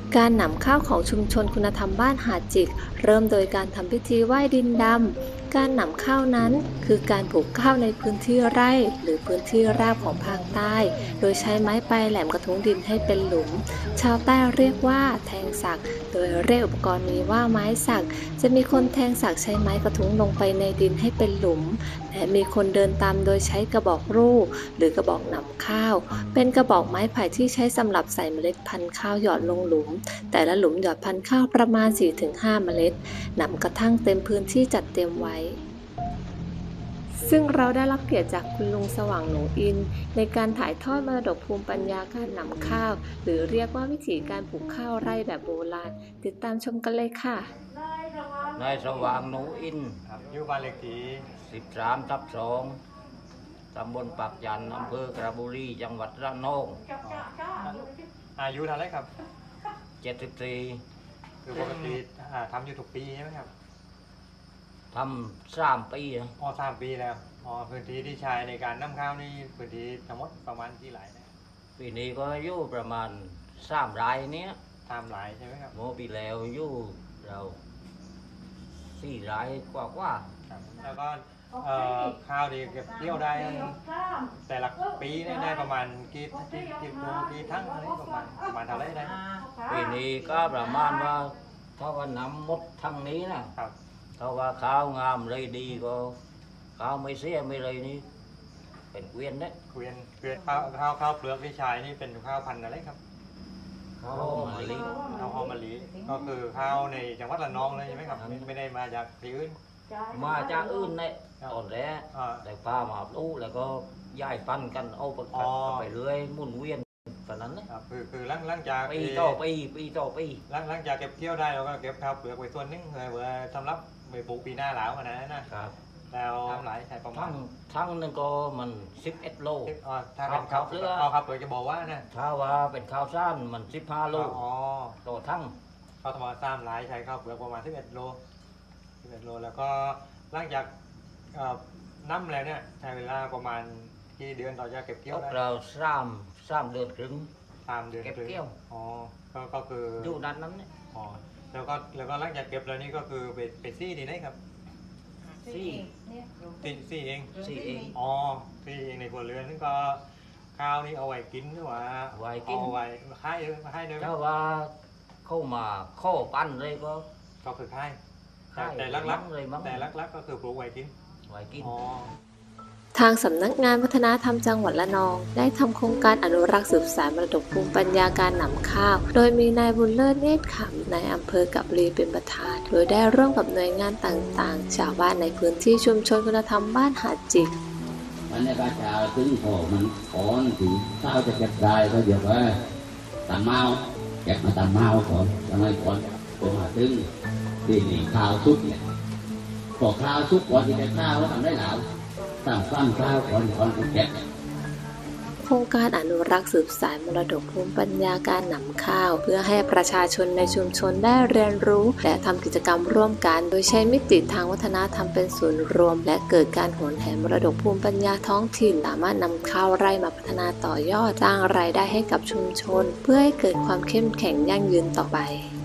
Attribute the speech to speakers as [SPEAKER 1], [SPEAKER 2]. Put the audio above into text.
[SPEAKER 1] การนำข้าวของชุมชนคุณธรรมบ้านหาดจิกเริ่มโดยการทำพิธีไหว้ดินดำการนำข้าวนั้นคือการปลูกข้าวในพื้นที่ไร่หรือพื้นที่ราบของภาคใต้โดยใช้ไม้ปลายแหลมกระทุ้งดินให้เป็นหลุมชาวใต้เรียกว่าแทงสักโดยเรียกอุปกรณ์นี้ว่าไม้สักจะมีคนแทงสักใช้ไม้กระทุ้งลงไปในดินให้เป็นหลุมและมีคนเดินตามโดยใช้กระบอกรูปหรือกระบอกนำข้าวเป็นกระบอกไม้ไผ่ที่ใช้สำหรับใส่เมล็ดพันธุ์ข้าวหยอดลงหลุมแต่ละหลุมหยอดพันธุ์ข้าวประมาณ 4-5 เมล็ดนำกระทั่งเต็มพื้นที่จัดเตรียมไว้ซึ่งเราได้รับเกียรติจากคุณลุงสว่างหนูอินในการถ่ายทอดมรดกภูมิปัญญาการนำข้าวหรือเรียกว่าวิถีการปลูกข้าวไร่แบบโบราณติดตามชมกันเลยค่ะ
[SPEAKER 2] นายสว่างหนูอิน
[SPEAKER 3] อยู่บ้านเลขที่
[SPEAKER 2] 13/2ตำบลปากจันทร์อำเภอกระบุรีจังหวัดระนอง
[SPEAKER 3] อายุเท่าไรครับ
[SPEAKER 2] 74
[SPEAKER 3] คือปกติทำอยู่ทุกปีใช่ไหมครับ
[SPEAKER 2] ทำ3 ปี
[SPEAKER 3] 3 ปีแล้วพื้นที่ที่ใช้ในการนำข้าวนี่พื้นที่ทั้งหมดประมาณกี่ไร่นะ
[SPEAKER 2] ปีนี้ก็อยู่ประมาณ3 ไร่นี้
[SPEAKER 3] 3 ไร่ใช่ไหมครับ
[SPEAKER 2] โมปีแล้วอยู่เรา4 ไร่กว่า
[SPEAKER 3] แล้วก็ข้าวดีเก็บเกี่ยวได้แต่ละปีได้ประมาณกี่ทั้งอะไรประมาณเท่าไรได้
[SPEAKER 2] ปีนี้ก็ประมาณว่าถ้าว่าน้ำหมดทั้งนี้นะครับถ้าว่าข้าวงามเลยดีก็ข้าวไม่เสียไม่เลยนี่เป็นเกวียนเนี่ย
[SPEAKER 3] เกวียนข้าวเปลือกที่ใช้นี่เป็นข้าวพันธุ์อะไรครับ
[SPEAKER 2] ข้าวมะลิ
[SPEAKER 3] ข้าวหอมมะลิก็คือข้าวในจังหวัดระนองเลยใช่ไหมครับไม่ได้มาจากที่อื่น
[SPEAKER 2] มาจากอื่นเนี่ยตอนแรกแต่ป้ามาลูกแล้วก็ย้ายฟันกันเอาไปเรื่อยหมุนเวียนตอนนั้น
[SPEAKER 3] นะครับคือหลังจาก
[SPEAKER 2] ปีต่อปี
[SPEAKER 3] หลังจากเก็บเกี่ยวได้เราก็เก็บข้าวเปลือกไว้ส่วนนึงเลยเพื่อสำหรับไปปลูกปีหน้าหลาวกันนะครับแล้วหลายใช่ประมาณ
[SPEAKER 2] ทั้งนึงก็มัน11 โล
[SPEAKER 3] ถ้าเป็นข้าวเปลือกจะบอกว่านะ
[SPEAKER 2] ถ้าว่าเป็นข้าวสั้นมัน15 โลต่อทั้ง
[SPEAKER 3] ข้าวธรรมดาหลายใช้ข้าวเปลือกประมาณ11 โลแล้วก็หลังจากน้ำแล้วเนี่ยใช้เวลาประมาณกี่เดือนต่อจะเก็บเกี่ยวได้
[SPEAKER 2] เรา3 เดือนครึ่ง
[SPEAKER 3] 3 เดือน
[SPEAKER 2] เก็บเกี่ยว
[SPEAKER 3] ก็คือ
[SPEAKER 2] อยู่ด้านนั้นเนี่ย
[SPEAKER 3] แล้วก็หลังจากเก็บแล้วนี่ก็คือไปซี่ดีไหมครับ
[SPEAKER 2] ซี่
[SPEAKER 3] เอง
[SPEAKER 2] ซี่เอง
[SPEAKER 3] ในครัวเรือนนั่นก็ข้าวนี่เอาไว้กินหรือว่า
[SPEAKER 2] ไว้กิน
[SPEAKER 3] เอาไว้ให้ด้วย
[SPEAKER 2] ถ้าว่าเข้ามาข้อปั้นเลย
[SPEAKER 3] ก็คือให้แต่ลักก็คือปลูกไว้กิน
[SPEAKER 1] ทางสำนักงานวัฒนธรรมจังหวัดระนองได้ทำโครงการอนุรักษ์สืบสานมรดกภูมิปัญญาการนำข้าวโดยมีนายบุญเลิศเนตรขำนายอำเภอกาบรีเป็นประธานโดยได้ร่วมกับหน่วยงานต่างๆชาวบ้านในพื้นที่ชุมชนคุณธรรมบ้านหาดจิก
[SPEAKER 4] วันนี้ก็จะถึงพอมันขอนถึงข้าวจะเก็บได้ก็เดี๋ยวว่าตำเมาเก็บมาตำเมาก่อนทำไมก่อนจนมาถึงที่นี่ข้าวซุปเนี่ยพอข้าวซุปก่อนที่จะข้าวแล้วทำได้หลาวตั้งฟังข้าวก่อนเก็บ
[SPEAKER 1] โครงการอนุรักษ์สืบสานมรดกภูมิปัญญาการนำข้าวเพื่อให้ประชาชนในชุมชนได้เรียนรู้และทำกิจกรรมร่วมกันโดยใช้มิติทางวัฒนธรรมเป็นศูนย์รวมและเกิดการโหนแหนมรดกภูมิปัญญาท้องถิ่นสามารถนำข้าวไร่มาพัฒนาต่อยอดสร้างรายได้ให้กับชุมชนเพื่อให้เกิดความเข้มแข็งยั่งยืนต่อไป